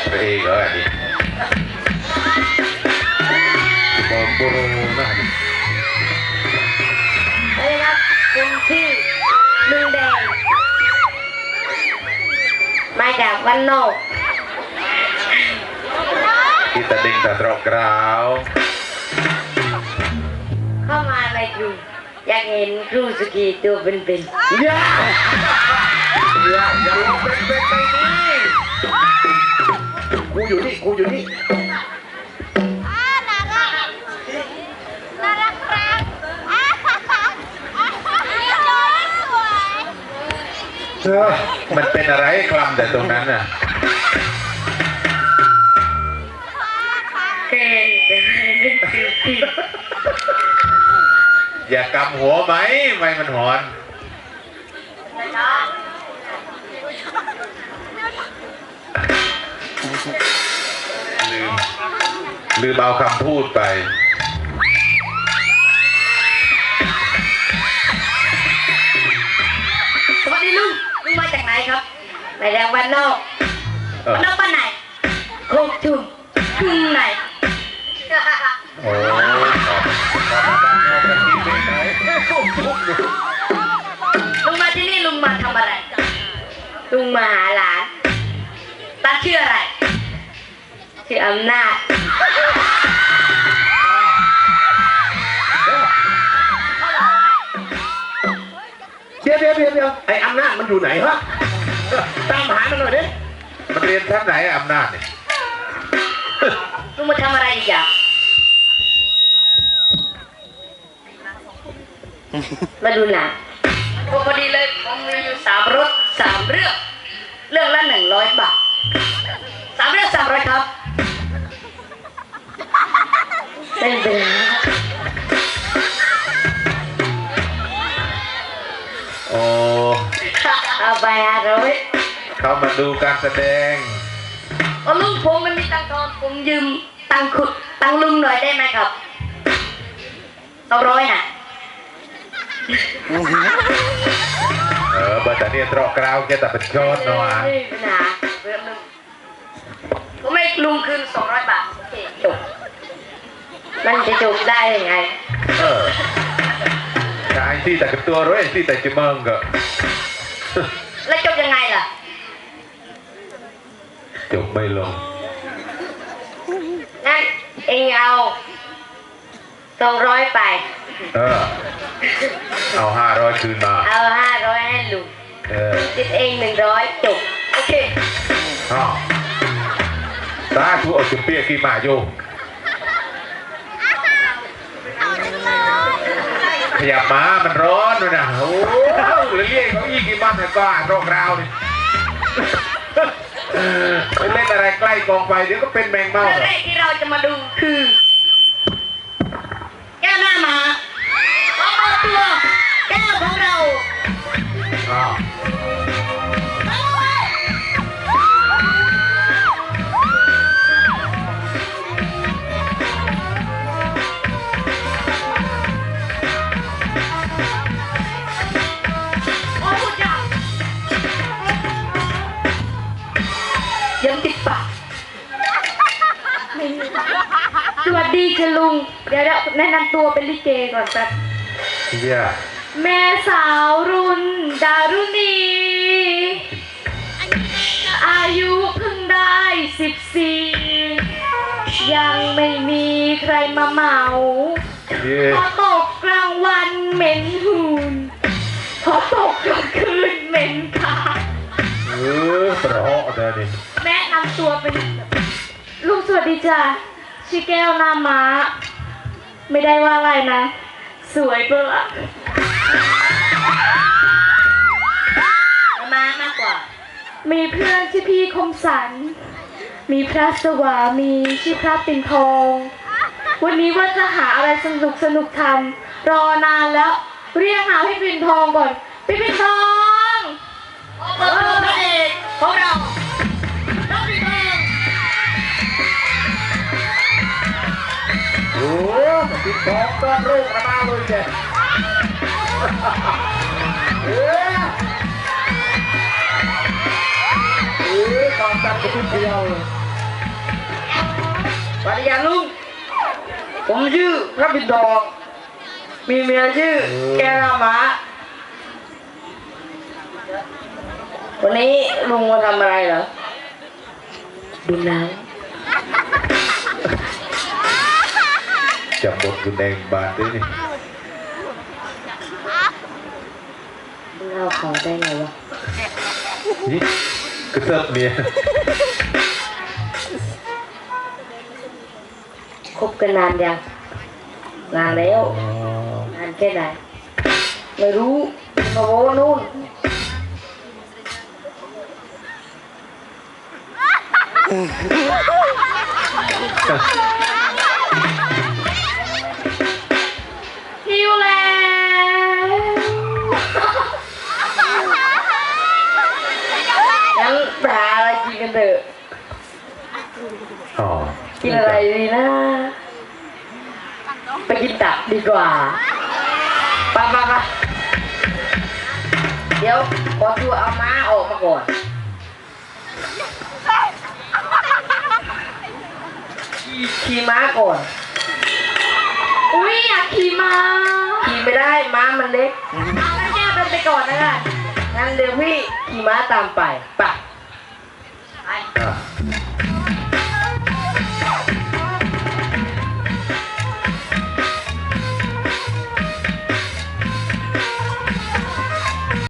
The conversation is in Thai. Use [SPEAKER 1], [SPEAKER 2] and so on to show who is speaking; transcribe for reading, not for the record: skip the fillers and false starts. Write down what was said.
[SPEAKER 1] ไปเองเหรออันนี้บอมโบโรนะ
[SPEAKER 2] นี่ครับคุณพี่ลุงแดงมาจากวันนอก
[SPEAKER 1] ที่ตะดึงตะตรอกกราว
[SPEAKER 2] เข้ามาในกลุ่มอยากเห็นครูสกีตัวเป็นๆ
[SPEAKER 1] อย่าลงเป็นไปนี่กูอยู่นี่
[SPEAKER 3] น่ารักครับสวย
[SPEAKER 1] มันเป็นอะไรคลำแต่ตรงนั้นน่ะอย่ากำหัวไหมไม่มันหอนลืมเอาคำพูดไป
[SPEAKER 2] สวัสดีลุงมาจากไหนครับมาจากวันนอกบ้านไหนโคกชุมชุมไหน
[SPEAKER 1] โอ้
[SPEAKER 2] ลุงมาที่นี่ลุงมาทำอะไรลุงมาหาหลานตั้งชื่ออะไรชื่ออำนาจ
[SPEAKER 4] เดี๋ยวไอ้อำนาจมันอยู่ไหนฮะตามหามันหน่อยดิ
[SPEAKER 1] มันเรียนชั้นไหนอำนาจเนี่ย
[SPEAKER 2] ลุงมาทำอะไรอีกอย่างมาดูหนังพอดีเลยผมมีอยู่3 รถ 3 เรื่องละ100 บาท3 เรื่อง 300ครับเป็นไปแล้ว
[SPEAKER 1] โอ้
[SPEAKER 2] เอาไป500
[SPEAKER 1] เขามาดูการแสดง
[SPEAKER 2] ลุงผมไม่มีตังค์ทอนผมยืมตังค์ลุงหน่อยได้ไหมครับ200น่ะ
[SPEAKER 1] บัตรเนี่ยตรอกกราวแกแต่เป็นชดเนาะ
[SPEAKER 2] นะผมไม่ลุงคืน200 บาทโอเคจบมันจะจบได้ยังไง
[SPEAKER 1] ใช่ที่แต่กับตัวร้อยที่แต่จะมึงก็
[SPEAKER 2] แล้วจบยังไงล่ะ
[SPEAKER 1] จบไม่ลง
[SPEAKER 2] งั้นเองเอา200ไป
[SPEAKER 1] เอา500คืนมา
[SPEAKER 2] เอา500ให้ลุงติดเอง100จบโอเค
[SPEAKER 1] ตาทูเอาจุดเปียกี่มาโยขยับมามันร้อนด้วยนะโอ้เรียกเขาอีกี่บ้านก็อ่านรองราวนี่ไปเล่นอะไรใกล้กองไฟเดี๋ยวก็เป็นแมงเม่า
[SPEAKER 2] เรื่องแรกที่เราจะมาดูคือแก้วหน้ามาตัวแก้วของเรายังติดปากสวัสดีค่ะลุงเดี๋ยวแนะนำตัวเป็นลิเกก่อนแป๊บแม่สาวรุ่นดารุณีอายุเพิ่งได้14ยังไม่มีใครมาเหมาพอตกกลางวันเหม็นหืนพอตกกลางคืนเหม็นขา
[SPEAKER 1] เพราะเดี๋ยวนี้
[SPEAKER 2] แนะนำตัวเป็นลุงสวัสดีจ้ะชื่อแก้วนาม้าไม่ได้ว่าอะไรนะสวยเปล่าม้ามากกว่ามีเพื่อนชื่อพี่คมสันมีพระสวามีชื่อพระปิ่นทองวันนี้ว่าจะหาอะไรสนุกทำรอนานแล้วเรียกหาพี่ปิ่นทองก่อนพี่ปิ่นทองพระเอกของเราน้องปิ่นทอง
[SPEAKER 4] โอ้ปิดทองต้อนโรคระบาดเลยแกตอนตัดกระตุ้นเดียว
[SPEAKER 5] ปฏิญาณลุงผมชื่อพระบิดรมีเมียชื่อแกรามาวันนี้ลุงมาทำอะไรเหรอดูหนัง
[SPEAKER 1] จับบทคุณแดงบาดด้วยนี่
[SPEAKER 5] เล่าเขาได้ไงวะ
[SPEAKER 1] นี่กระเซิบเมีย
[SPEAKER 5] คบกันนานยังนานแล้วนานแค่ไหนไม่รู้มาโว้นู่น
[SPEAKER 2] หิวแล้ว
[SPEAKER 5] งั้นไปหาอะไรกินกันเถอะ
[SPEAKER 1] อ๋อ
[SPEAKER 5] กินอะไรดีนะ ไปกินตับดีกว่าไปเดี๋ยวขอตัวเอาม้าออกมาก่อนขี่ม้าก่อน
[SPEAKER 2] อุ้ยอยากขี่ม้า
[SPEAKER 5] ขี่ไม่ได้ม้ามันเล็ก
[SPEAKER 2] เอาแล้วแกเป็นไปก่อนนะกัน
[SPEAKER 5] งั้นเดี๋ยวพี่ขี่ม้าตามไปไป
[SPEAKER 1] อ่ะ